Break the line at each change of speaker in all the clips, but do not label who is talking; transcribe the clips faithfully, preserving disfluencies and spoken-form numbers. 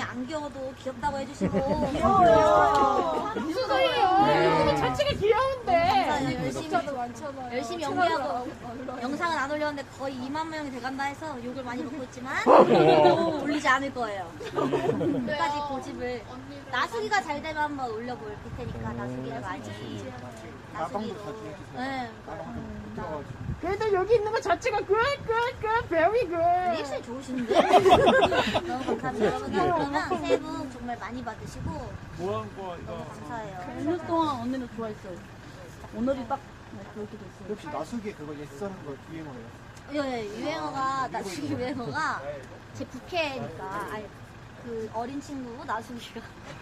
안 귀여워도 귀엽다고 해주시고.
귀여워요. 무슨 소리예요? 자체가 귀여운데.
감사해요. 열심히,
많잖아요.
열심히 연기하고 영상은 안 올렸는데 거의 이만 명이 돼간다 해서 욕을 많이 먹고 있지만 올리지 않을 거예요. 끝까지 고집을. 나수기가 잘 되면 한번 올려볼 테니까 나수기를 많이.
나방도
나수기로.
다 주세요.
네.
들어가지고.
그래도 여기 있는 거 자체가 good, good, good, very good.
입술 좋으신데? 너무 감사합니다. 여러분 그러면 새해 복 정말 많이 받으시고
뭐한 거
너무
이거.
감사해요.
일 년 동안 언니는 좋아했어요. 오늘이 딱 그렇게 됐어요.
혹시 나수기 그거 예쓰는 거 유행어예요?
예, 유행어가 나수기 유행어가 제 부캐니까 아니 그 어린 친구 나수기가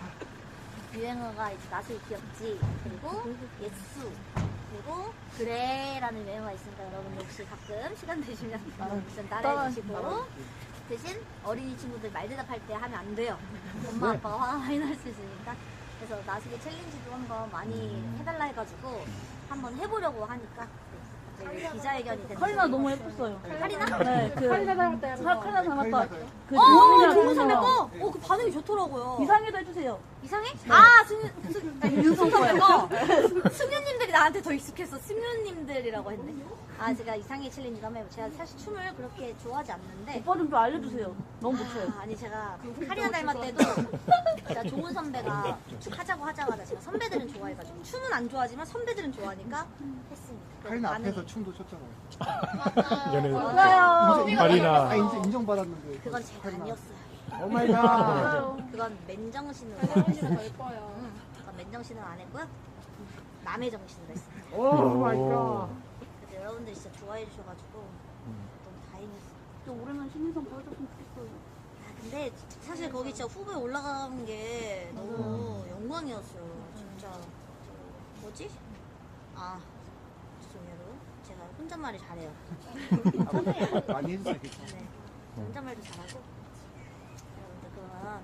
유행어가 이제 나수기 귀엽지 그리고 예수 그리고 그래라는 유행어가 있으니까 여러분 혹시 가끔 시간 되시면 좀 따라해주시고 대신 어린이 친구들 말 대답할 때 하면 안 돼요. 엄마 아빠가 화가 많이 날 수 있으니까. 그래서 나수기 챌린지도 한번 많이 해달라 해가지고 한번 해보려고 하니까 네, 기자회견이 됐는데
카리나 너무 예뻤어요.
카리나?
네, 그
카리나 닮았다.
카- 카리나 닮았다. 그
어,
조은이랑
정우 선배
동서가.
거? 어, 그 반응이 좋더라고요.
이상해도 해주세요.
이상해? 아, 승윤, 승, 아니, 윤성 선배 거? 승윤님들이 나한테 더 익숙해서 승윤님들이라고 했네. 아, 제가 이상해 챌린지도 한번 해요. 제가 사실 춤을 그렇게 좋아하지 않는데.
오빠 좀 좀 알려주세요. 너무 못해요.
아, 아니, 제가 카리나 닮았 때도 제가 종훈 선배가 하자고 하자마자 제가 선배들은 좋아해가지고. 춤은 안 좋아하지만 선배들은 좋아하니까 했습니다.
카리나
반응이.
앞에서 춤도 췄잖아요.
연애
맞아요.
인정,
카리나.
아, 인정, 인정받았는데.
그건 제가
카리나.
아니었어요.
오 마이 갓.
그건 맨정신으로.
언니가 더 예뻐요.
응, 그건 맨정신으로 안 했고요. 남의 정신으로 했어요.
오 마이 갓.
그래서 여러분들이 진짜 좋아해 주셔가지고 너무 다행이었어요.
좀 올해는 신인상 보여줬으면 좋겠어요.
아, 근데 사실 거기 진짜 후보에 올라간 게 너무 영광이었어요. 진짜 저 뭐지? 아 죄송해요. 여러분. 제가 혼잣말을 잘해요.
아, 많이 해주세요. 괜찮아요.
네, 혼잣말도 잘하고. 여러분들 그러면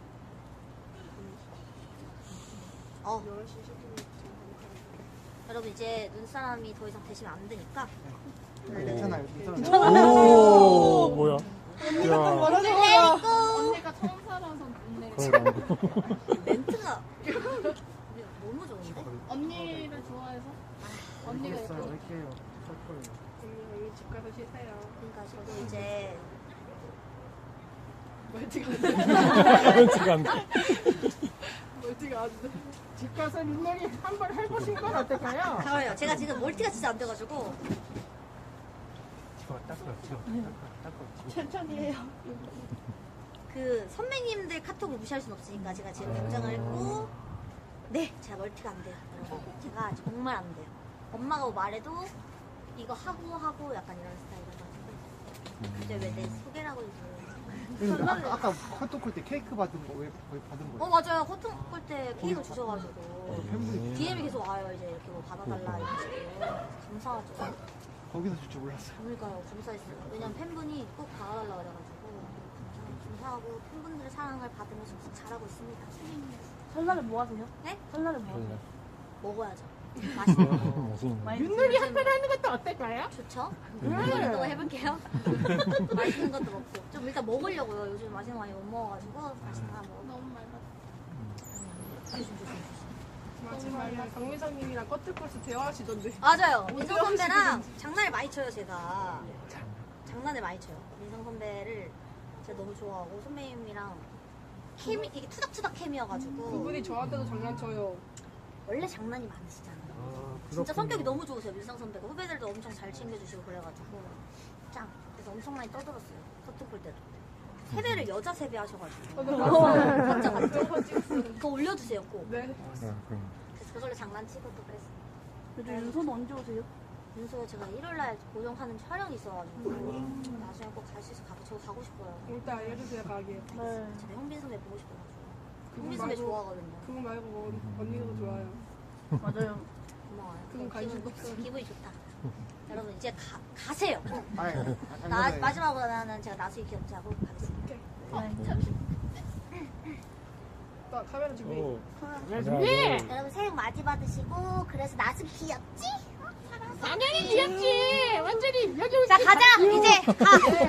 어 여러분 이제 눈사람이 더 이상 되시면 안 되니까.
네, 괜찮아요. 괜찮아요.
오 뭐야? 야
레이고
언니가 처음 살아서 눈내.
그럼
멘트가 너무 좋은데?
언니를 좋아해서? 언니가
알겠어요.
예뻐.
이렇게요. 할 거예요.
언니 여기 집 가서 쉬세요.
그러니까 저도 이제
멀티가 안 돼.
지금 안 돼.
멀티가 안 돼. 집 가서 민낯이 한번 해보신 건 어떨까요?
좋아요. 제가 지금 멀티가 진짜 안 돼가지고
집어 닦아, 집어 닦아, 닦아.
천천히 해요.
그 선배님들 카톡을 무시할 순 없으니까 제가 지금 당장을 했고 네 제가 멀티가 안 돼요. 여러분. 제가 정말 안 돼요. 엄마가 뭐 말해도 이거 하고 하고 약간 이런 스타일이라서 이제 왜 내 소개라고 이제
근데 아까, 아까 헛똑할 때 케이크 받은 거 왜 받은
어
거예요?
맞아요. 호통 꼴때 케이크 주셔가지고
팬분이
디엠이 계속 와요. 이제 이렇게 뭐 받아달라 이런 식으로 감사하죠.
거기서 줄 줄 몰랐어요.
그러니까요. 감사했어요. 왜냐면 팬분이 꼭 받아달라 그래가지고 감사하고 팬분들의 사랑을 받으면서 잘하고 있습니다.
설날에 뭐 하세요?
네?
설날에 뭐 하세요?
먹어야죠. 맛있는 거.
무슨
많이
윷놀이 한번 하는 것도 어떨까요?
좋죠? 윷놀이도 해볼게요. 맛있는 것도 먹고 좀 일단 먹으려고요. 요즘 맛있는 거 많이 못 먹어가지고 맛있는 거 먹어.
너무 말랐어.
조심 조심 조심.
마지막에 강미정님이랑 꺼틀꺼틀 대화하시던데.
맞아요. 민성 선배랑 장난을 많이 쳐요 제가. 장난을 많이 쳐요. 민성 선배를 제가 너무 좋아하고 선배님이랑 케미 이게 투닥투닥 케미여가지고
그분이 저한테도 장난쳐요.
원래 장난이 많으시잖아요. 진짜 성격이 너무 좋으세요. 민성 선배가 후배들도 엄청 잘 챙겨주시고 그래가지고 짱. 그래서 엄청 많이 떠들었어요. 커튼 볼 때도. 세배를 여자 세배 하셔가지고. 맞죠 맞죠? 그거 올려주세요 꼭.
네.
그래서 그걸로 장난치고 또 그랬어요.
요즘 윤선 언제 오세요?
윤서 제가 일요일날 고정하는 촬영이 있어가지고 나중에 꼭 갈 수 있어 가고 저 가고 싶어요.
일단 알려주세요, 가게.
네.
제가 현빈 선배 보고 싶어가지고.
그분
현빈 선배
말고-
좋아하거든요.
그거 말고 뭐 언니도 좋아요.
맞아요.
고마워요.
그건 관심도
기분,
없어요.
기분이 좋다. 여러분 이제 가, 가세요.
아이,
나, 마지막으로 나는 제가 나수기 귀엽지 하고 가겠습니다.
나 카메라 준비.
오.
준비!
여러분 새해 복 많이 받으시고 그래서 나수기 귀엽지?
당연히 귀엽지! 완전히 여기
자 가자 이제 가!